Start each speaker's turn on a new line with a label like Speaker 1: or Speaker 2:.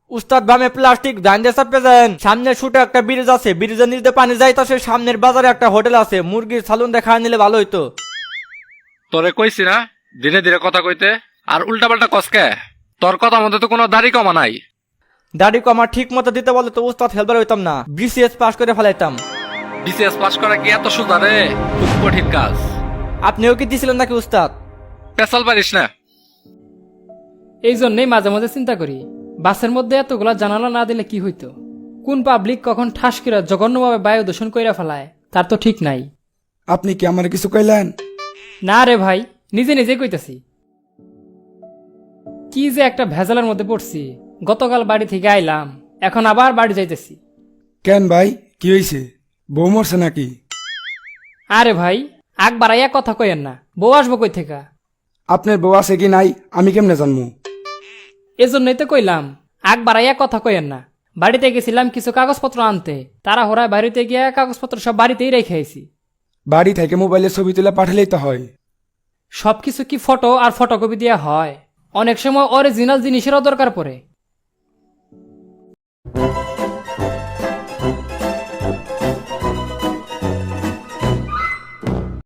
Speaker 1: উস্তাদ বামে প্লাস্টিক জানতে চাপে যান। সামনে শুটে একটা ব্রিজ আছে, ব্রিজের নিচে পানি যাইতাছে। সামনের বাজারে একটা হোটেল আছে, মুরগির সালুন দেখা নিলে ভালো হইতো।
Speaker 2: তোরে কইছি না ধীরে ধীরে কথা কইতে, আর উল্টাপাল্টা কসকে। তোর কথা মধ্যে তো কোনো দাড়ি কমা নাই।
Speaker 1: দাড়ি কমা ঠিক মতো দিতে বলে তো উস্তাদ হেলবার হইতাম না, বিসিএস পাস করে ফেলাইতাম।
Speaker 2: বিসিএস পাস করা কি এত সোজা রে? খুব কঠিন কাজ।
Speaker 1: আপনিও কি দিছিলেন নাকি উস্তাদ?
Speaker 2: পেশাল পারিস না।
Speaker 3: এই জন্যই মাঝে মাঝে চিন্তা করি, বাসের মধ্যে এতগুলা জানালা না দিলে কি হইতো। কোন পাবলিক কখন ঠাস করে জঘন্যভাবে বায়ু দূষণ কইরা ফেলায় তার তো ঠিক নাই।
Speaker 4: আপনি কি আমার কিছু কইলেন?
Speaker 3: না রে ভাই, নিজে নিজে কইতাছি। কি যে একটা ভেজালের মধ্যে পড়ছি। গতকাল বাড়ি থেকে আইলাম, এখন আবার বাড়ি যাইতেছি।
Speaker 4: কেন ভাই, কি হয়েছে? বউ মরছে নাকি?
Speaker 3: আরে ভাই, আগ বাড়াইয়া কথা কইয়েন না, বউ আসবো কই থেকে?
Speaker 4: আপনার বউ আছে কি নাই আমি কেমনে জানবো?
Speaker 3: এজন্যই তো কইলাম আগ বাড়াইয়া কথা কইয়েন না। বাড়িতে গেছিলাম কিছু কাগজপত্র আনতে, তারা হোরায় বাড়িতে গিয়া কাগজপত্র সব বাড়িতেই রেখে আইছি।
Speaker 4: বাড়ি থেকে মোবাইলে ছবি তুলে পাঠালেই তো হয়।
Speaker 3: সবকিছু কি ফটো আর ফটোকপি দেওয়া হয়? অনেক সময় অরিজিনাল জিনিসেরও দরকার পড়ে।